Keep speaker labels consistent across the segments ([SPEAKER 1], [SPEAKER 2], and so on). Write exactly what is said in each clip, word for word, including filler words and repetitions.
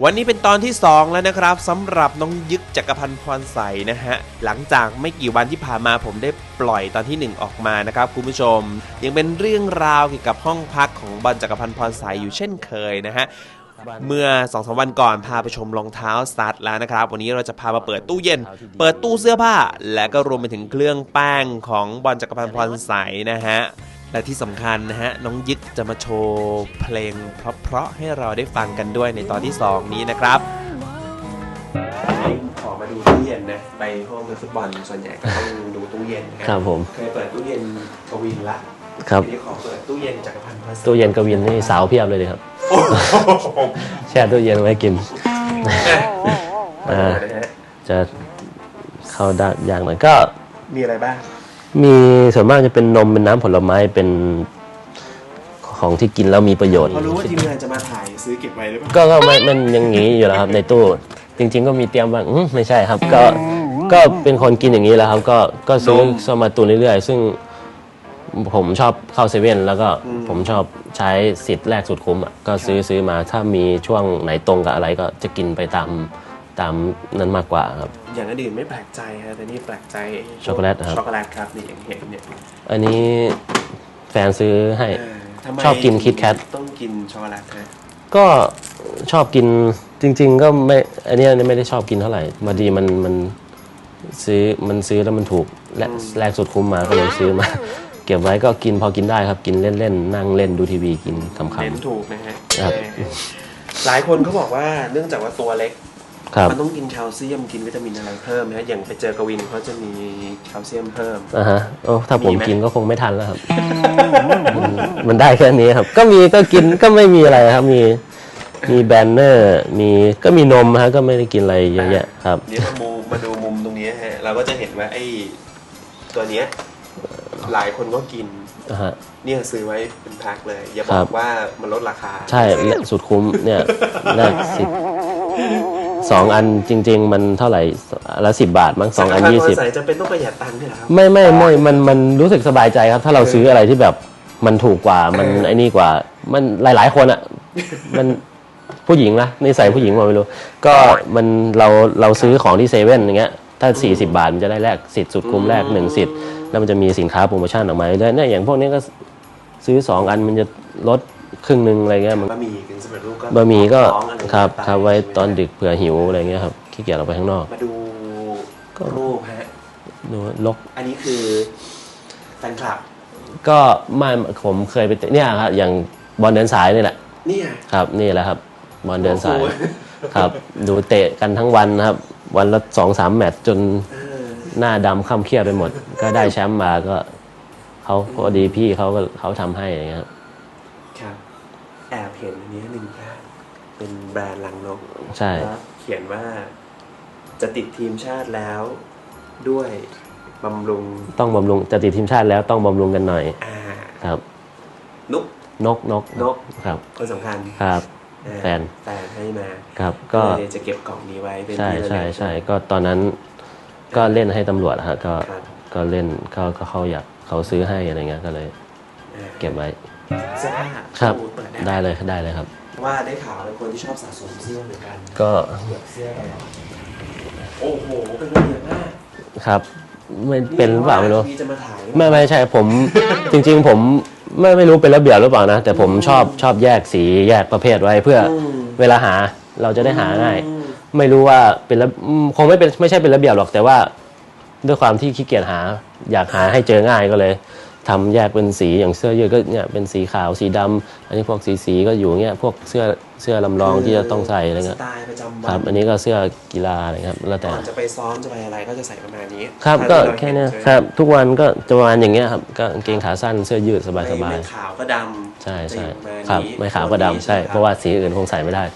[SPEAKER 1] วันนี้เป็นตอนที่สองแล้วนะครับสำหรับน้องยึกจักรพันธ์พรใสนะฮะหลังจากไม่กี่วันที่ผ่านมาผมได้ปล่อยตอนที่หนึ่งออกมานะครับคุณผู้ชมยังเป็นเรื่องราวเกี่ยวกับห้องพักของบอลจักรพันธ์พรใสอยู่เช่นเคยนะฮะเมื่อ สองถึงสาม วันก่อนพาไปชมรองเท้าสตาร์ทแล้วนะครับวันนี้เราจะพามาเปิดตู้เย็นเปิดตู้เสื้อผ้าและก็รวมไปถึงเครื่องแป้งของบอลจักรพันธ์พรใสนะฮะและที่สำคัญนะฮะน้องยึกจะมาโชว์เพลงเพราะๆให้เราได้ฟังกันด้วยในตอนที่สองนี้นะครับขอมาดูตู้เย็นนะไปห้องฟุตบอลส่วนใหญ่ก็ต้องดูตู้เย็นครับผมเคยเปิดตู้เย็นกวินละครับทีนี้ขอเปิดตู้เย็นจักรพันธ์พรใสตู้เย็นกวินนี่สาวเพียบเลยเลยครับแช่ตู้เย็นไว้กินจะเข้าได้อย่างหน่อยก็มีอะไรบ้างมีส่วนมากจะเป็นนมเป็นน้ำผลไม้เป็นของที่กินแล้วมีประโยชน์พอรู้ว่าทีมงานจะมาถ่ายซื้อเก็บไว้หรือเปล่าก็ก็ไม่มันยังงี้อยู่แล้วครับในตู้จริงๆก็มีเตรียมบ้างไม่ใช่ครับก็ก็เป็นคนกินอย่างนี้แล้วครับก็ก็ซื้อสมาตุนเรื่อยๆซึ่งผมชอบเข้าเซเว่นแล้วก็ผมชอบใช้สิทธิ์แรกสุดคุ้มอ่ะก็ซื้อซื้อมาถ้ามีช่วงไหนตรงกับอะไรก็จะกินไปตามตามนั้นมากกว่าครับอย่างอื่นไม่แปลกใจฮะแต่นี่แปลกใจช็อกโกแลตครับช็อกโกแลตครับนี่อย่างเห็นเนี่ยอันนี้แฟนซื้อให้ชอบกินคิดแคทต้องกินช็อกโกแลตฮะก็ชอบกินจริงๆก็ไม่อันนี้ไม่ได้ชอบกินเท่าไหร่มาดีมันมันซื้อมันซื้อแล้วมันถูกและแรกสุดคุ้มมาก็เลยซื้อมาเก็บไว้ก็กินพอกินได้ครับกินเล่นๆนั่งเล่นดูทีวีกินขำๆเล่นถูกนะฮะหลายคนเขาบอกว่าเนื่องจากว่าตัวเล็กมันต้องกินแคลเซียมกินวิตามินอะไรเพิ่มนะอย่างไปเจอกวินเขาจะมีแคลเซียมเพิ่มอ่าฮะโอ้ถ้าผมกินก็คงไม่ทันแล้วครับมันได้แค่นี้ครับก็มีก็กินก็ไม่มีอะไรครับมีมีแบนเนอร์มีก็มีนมฮะก็ไม่ได้กินอะไรเยอะแยะครับเดี๋ยวมาดูมาดูมุมตรงนี้ฮะเราก็จะเห็นว่าไอ้ตัวเนี้ยหลายคนก็กินเนี่ยซื้อไว้เป็นแพ็คเลยอย่าบอกว่ามันลดราคาใช่สุดคุ้มเนี่ยแรกสิบสองอันจริงๆมันเท่าไหร่ละสิบบาทมั้งสองอันยี่สิบจะเป็นต้องประหยัดตังค์ด้วยเหรอครับไม่ไม่ไม่มันมันรู้สึกสบายใจครับถ้าเราซื้ออะไรที่แบบมันถูกกว่ามันไอ้นี่กว่ามันหลายๆคนอ่ะมันผู้หญิงนะนิสัยผู้หญิงมาไม่รู้ก็มันเราเราซื้อของที่เซเว่นอย่างเงี้ยถ้าสี่สิบบาทมันจะได้แลกสิทธิ์สุดคุ้มแรกหนึ่งสิทธิ์แล้วมันจะมีสินค้าโปรโมชั่นออกมาด้วยเนี่ยอย่างพวกนี้ก็ซื้อสองอันมันจะลดครึ่งนึงอะไรเงี้ยมันบะหมี่ถึงสำเร็จรูปก็บะหมี่ก็ครับครับไว้ตอนดึกเผื่อหิวอะไรเงี้ยครับขี้เกียจออกไปข้างนอกมาดูรูปฮะดูลกอันนี้คือแฟนคลับก็ไม่ผมเคยไปเนี่ยครับอย่างบอลเดินสายนี่แหละนี่ครับนี่แหละครับบอลเดินสายครับดูเตะกันทั้งวันนะครับวันละสองสามแมตช์จนหน้าดำค่ำเครียดไปหมดก็ได้แชมป์มาก็เขาพอดีพี่เขาก็เขาทำให้อย่างเงี้ยครับครับแอบเห็นอันนี้หนึ่งแบรนด์เป็นแบรนด์ลังนกใช่เขียนว่าจะติดทีมชาติแล้วด้วยบำรุงต้องบำรุงจะติดทีมชาติแล้วต้องบำรุงกันหน่อยอ่าครับนกนกนกนกครับคนสำคัญครับแฟนแฟนให้มาครับก็จะเก็บกล่องนี้ไว้เป็นใช่ใช่ใช่ก็ตอนนั้นก็เล่นให้ตำรวจฮะก็ก็เล่นเขาก็เขาอยากเขาซื้อให้อะไรเงี้ยก็เลยเก็บไว้เสื้อผ้าครับได้เลยได้เลยครับว่าได้ข่าวเป็นคนที่ชอบสะสมเสื้อเหมือนกันก็เสื้อโอ้โหเป็นระเบียบมากครับไม่เป็นหรือเปล่าไม่รู้ไม่ไม่ใช่ผมจริงๆผมไม่ไม่รู้เป็นระเบียบหรือเปล่านะแต่ผมชอบชอบแยกสีแยกประเภทไว้เพื่อเวลาหาเราจะได้หาง่ายไม่รู้ว่าเป็นคงไม่เป็นไม่ใช่เป็นระเบียบหรอกแต่ว่าด้วยความที่ขี้เกียจหาอยากหาให้เจอง่ายก็เลยทำแยกเป็นสีอย่างเสื้อยืดก็เนี่ยเป็นสีขาวสีดำอันนี้พวกสีสีก็อยู่เงี้ยพวกเสื้อเสื้อลำลองที่จะต้องใส่อะไรเงี้ยสไตล์ประจำวันครับอันนี้ก็เสื้อกีฬาอะไรครับแล้วแต่จะไปซ้อมจะไปอะไรก็จะใส่ประมาณนี้ครับก็แค่นี้ครับทุกวันก็จะประมาณอย่างเงี้ยครับก็กางเกงขาสั้นเสื้อยืดสบายสบายไม่ขาวก็ดำใช่ใช่ครับไม่ขาวก็ดำใช่เพราะว่าสีอื่นคงใส่ไม่ได้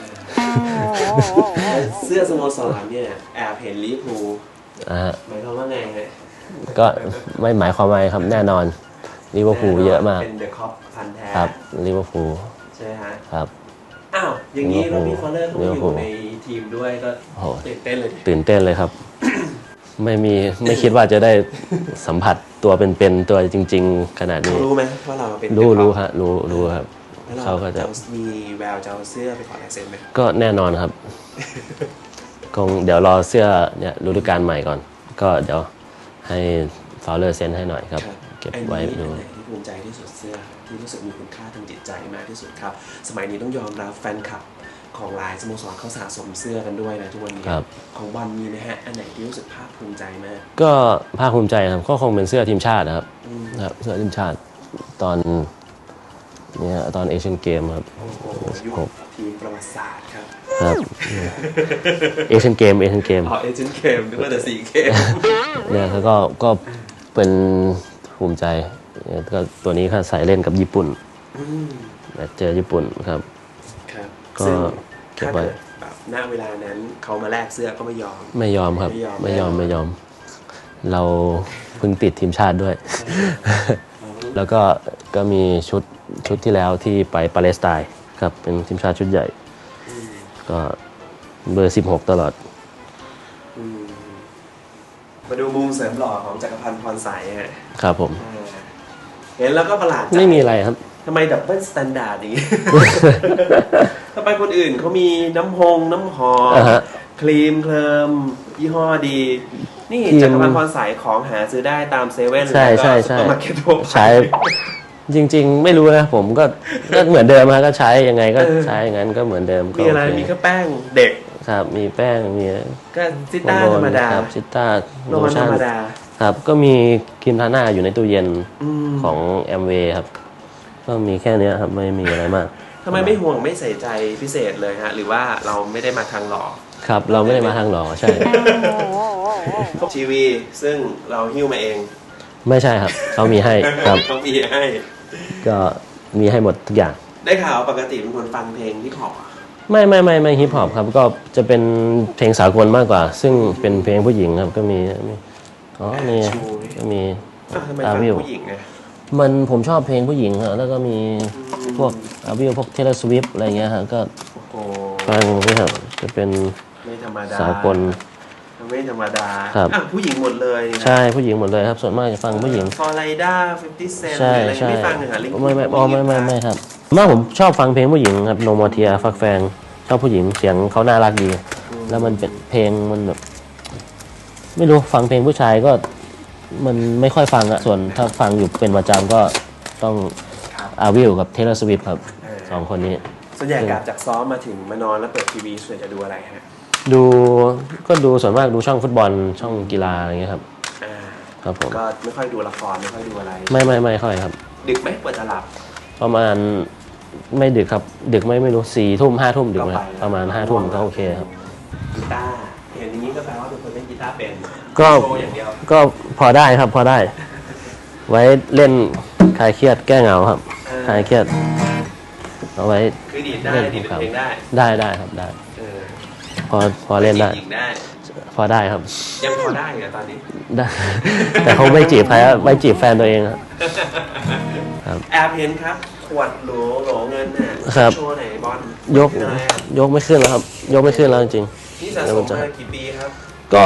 [SPEAKER 1] เสื้อสโมสรเนี่ยแอบเห็นลิเวอร์พูลหมายความว่าไงฮะก็ไม่หมายความว่าครับแน่นอนลิเวอร์พูลเยอะมากเป็นเดอะคอปพันแท้ครับลิเวอร์พูลใช่ไหมฮะครับอ้าวอย่างนี้เรามีฟอลเลอร์เขาอยู่ในทีมด้วยก็ตื่นเต้นเลยตื่นเต้นเลยครับไม่มีไม่คิดว่าจะได้สัมผัสตัวเป็นๆตัวจริงๆขนาดนี้รู้ไหมว่าเราเป็นรู้รู้ครับรู้รู้ครับเขาก็จะ
[SPEAKER 2] มีแววจะเอาเสื้อไปขอลายเซ็นไหม
[SPEAKER 1] ก็แน่นอนครับคงเดี๋ยวรอเสื้อเนี่ยฤดูกาลใหม่ก่อน ก็เดี๋ยวให้ฟาวเลอร์เซ็นให้หน่อยครับเก็บไว้ดู
[SPEAKER 2] ที่ภูมิใจที่สุดเสื้อที่รู้สึกมีคุณค่าทางจิตใจมากที่สุดครับสมัยนี้ต้องยอมรับแฟนคลับของหลายสโมสรเขาสะสมเสื้อกันด้วยนะทุกวันนี้ของบอลมีไหมฮะอันไหนที่รู้สึกภาคภูมิใจมาก
[SPEAKER 1] ก็ภาคภูมิใจครับก็คงเป็นเสื้อทีมชาตินะครับครับเสื้อทีมชาติตอนเนี่ยตอนเอเชียนเกมครับ
[SPEAKER 2] ยุคทีมประวัติศาสตร์ครับ
[SPEAKER 1] ครับเอเชียนเกมเอเชียนเกม
[SPEAKER 2] อ๋อเอเชียนเกมนึกว่าแต่ซีเกม
[SPEAKER 1] เนี่ยเขาก็ก็เป็นภูมิใจก็ตัวนี้เขาใส่เล่นกับญี่ปุ่นเจอญี่ปุ่นครับ
[SPEAKER 2] ก็เก็บไว้แบบณเวลานั้นเขามาแลกเสื้อก็ไม่ยอม
[SPEAKER 1] ไม่ยอมครับไม่ยอมไม่ยอมเราเพิ่งติดทีมชาติด้วยแล้วก็ก็มีชุดชุดที่แล้วที่ไปปาเลสไตน์ครับเป็นทีมชาติชุดใหญ่ก็เบอร์สิบหกตลอด
[SPEAKER 2] มาดูมุมเสริมหล่อของจักรพันธ์พรใสฮะ
[SPEAKER 1] ครับผม
[SPEAKER 2] เห็นแล้วก็ประหลาดใจ
[SPEAKER 1] ไม่มีอะไรครับ
[SPEAKER 2] ทำไมดับเบิลสแตนดาร์ดอย่างนี้ทำไมคนอื่นเขามีน้ำหงน้ำหอมครีมเคลิมยี่ห้อดีนี่จักรพันธ์พรใสของหาซื้อได้ตามเซเว่นแล้วก็ซุปเปอร์มาร์เก็ตทั่วไป
[SPEAKER 1] ใช้จริงๆไม่รู้นะผมก็ก็เหมือนเดิมนะก็ใช้ยังไงก็ใช้อย่างนั้นก็เหมือนเดิม
[SPEAKER 2] มีอะไรมีแค่แป้งเด็ก
[SPEAKER 1] ครับมีแป้งมี
[SPEAKER 2] ก็ซิต้าธรรมดา
[SPEAKER 1] ครับซิต้า
[SPEAKER 2] โลชั่นธรรมดา
[SPEAKER 1] ครับก็มีครีมทาหน้าอยู่ในตู้เย็นของแอมเวย์ครับก็มีแค่นี้ครับไม่มีอะไรมาก
[SPEAKER 2] ทำไมไม่ห่วงไม่ใส่ใจพิเศษเลยฮะหรือว่าเราไม่ได้มาทางหล่อ
[SPEAKER 1] ครับเราไม่ได้มาทางหล่อใช่
[SPEAKER 2] ทีวีซึ่งเราหิ้วมาเอง
[SPEAKER 1] ไม่ใช่ครับเขามีให้ครับ
[SPEAKER 2] เขามีให้
[SPEAKER 1] ก็มีให้หมดทุกอย่าง
[SPEAKER 2] ได้ข่าวปกติเป็นคนฟังเพลงฮิปฮอป
[SPEAKER 1] ไม่ไม่ไม่ไม่ฮิปฮอปครับก็จะเป็นเพลงสากลมากกว่าซึ่งเป็นเพลงผู้หญิงครับก็มีอ๋อนี่ก็มี
[SPEAKER 2] อาวิวผู้หญิงไง
[SPEAKER 1] มันผมชอบเพลงผู้หญิงครับแล้วก็มีพวกอาวิวพวกเทเลสวิฟอะไรเงี้ยครับก็ฟังนี่ครับจะเป็นสากล
[SPEAKER 2] ไม่ธรรมดาครับผู้หญิงหมดเลย
[SPEAKER 1] ใช่ผู้หญิงหมดเลยครับส่วนมากจะฟังผู้หญิง
[SPEAKER 2] ฟอร์ไลด้าฟิฟตี้เซนต์อะไรไม่ฟังเหรอลิง
[SPEAKER 1] ไม่ไม่ไม่ไม่ไม่ครับมากผมชอบฟังเพลงผู้หญิงครับโนมอเทียฟักแฟงชอบผู้หญิงเสียงเขาน่ารักดีแล้วมันเป็นเพลงมันแบบไม่รู้ฟังเพลงผู้ชายก็มันไม่ค่อยฟังอะส่วนถ้าฟังอยู่เป็นประจำก็ต้องอาวิลกับเทเลอร์สวิฟครับสองคนนี้
[SPEAKER 2] ส่วนใหญ่กลับจากซ้อมมาถึงมานอนแล้วเปิดทีวีส่วนจะดูอะไรฮะ
[SPEAKER 1] ดูก็ดูส่วนมากดูช่องฟุตบอลช่องกีฬาอะไรเงี้ยครับครับผม
[SPEAKER 2] ก็ไม่ค่อยดูละครไม่ค่อยดูอะไร
[SPEAKER 1] ไม่ไม่ไม่ค่อยครับ
[SPEAKER 2] ดึกไหมเปิดจะหลับ
[SPEAKER 1] ประมาณไม่ดึกครับดึกไม่ไม่รู้สี่ทุ่มห้าทุ่มดึกไหมประมาณห้าทุ่มก็โอเคครับ
[SPEAKER 2] กีตาร์เห็นอย่างนี้ก็แปลว่าเป็นคนเล่นกีตาร์เป็น
[SPEAKER 1] ก็ก็พอได้ครับพอได้ไว้เล่นคลายเครียดแก้เหงาครับคลายเครียดเอาไว้
[SPEAKER 2] คือดีดได้ดีดเพลงได้
[SPEAKER 1] ได้ได้ครับได้พอพอเล่นได้พอได้ครับ
[SPEAKER 2] ยังพอได้เหรอตอนนี้
[SPEAKER 1] ได้แต่เขาไม่จีบใครไม่จีบแฟนตัวเอง
[SPEAKER 2] ครับแอบเห็นครับขวดโหลโหลเงินเนี่ยโชว์ไหนบอล
[SPEAKER 1] ยกยกไม่ขึ้นแล้วครับยกไม่ขึ้นแล้วจริง
[SPEAKER 2] นี่สะสมมากี่ปีครับ
[SPEAKER 1] ก็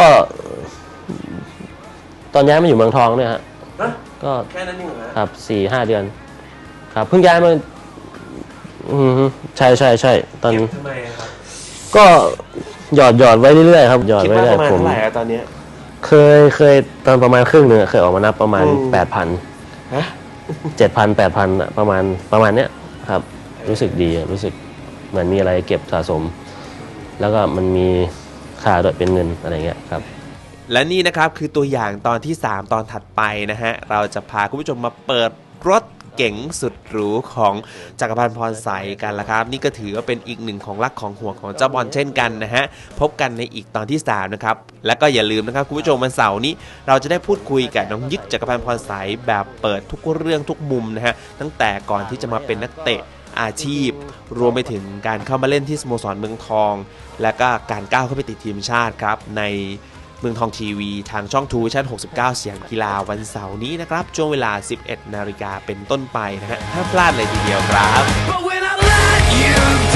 [SPEAKER 1] ตอนย้ายมาอยู่เมืองทองเนี่ยฮะ
[SPEAKER 2] ก็แค่นั้นเองเหรอ
[SPEAKER 1] ครับสี่ห้าเดือนครับเพิ่งย้ายมาอืมใช่ใช่ใช่ตอน
[SPEAKER 2] ทำไมครับ
[SPEAKER 1] ก็หยอดหยอดไว้เรื่อยๆครับหยอดไว้เรื่อย
[SPEAKER 2] ๆผมเท่าไหร่ตอนนี้
[SPEAKER 1] เคยเคยตอนประมาณครึ่งหนึ่งเคยออกมานับประมาณแปดพันเจ็ดพันแปดพันประมาณประมาณเนี้ยครับรู้สึกดีรู้สึกเหมือนมีอะไรเก็บสะสมแล้วก็มันมีค่าด้วยเป็นเงินอะไรเงี้ยครับ
[SPEAKER 2] และนี่นะครับคือตัวอย่างตอนที่สามตอนถัดไปนะฮะเราจะพาคุณผู้ชมมาเปิดรถเก๋งสุดหรูของจักรพันธ์พรใสกันละครับนี่ก็ถือว่าเป็นอีกหนึ่งของรักของห่วงของเจ้าบอลเช่นกันนะฮะพบกันในอีกตอนที่สามนะครับและก็อย่าลืมนะครับคุณผู้ชมวันเสาร์นี้เราจะได้พูดคุยกับน้องยึกจักรพันธ์พรใสแบบเปิดทุกเรื่องทุกมุมนะฮะตั้งแต่ก่อนที่จะมาเป็นนักเตะอาชีพรวมไปถึงการเข้ามาเล่นที่สโมสรเมืองทองและก็การก้าวเข้าไปติดทีมชาติครับในเมืองทองทีวีทางช่องทูวิชั่นหกสิบเก้าเสียงกีฬาวันเสาร์นี้นะครับช่วงเวลา สิบเอ็ดนาฬิกาเป็นต้นไปนะฮะห้ามพลาดเลยทีเดียวครับ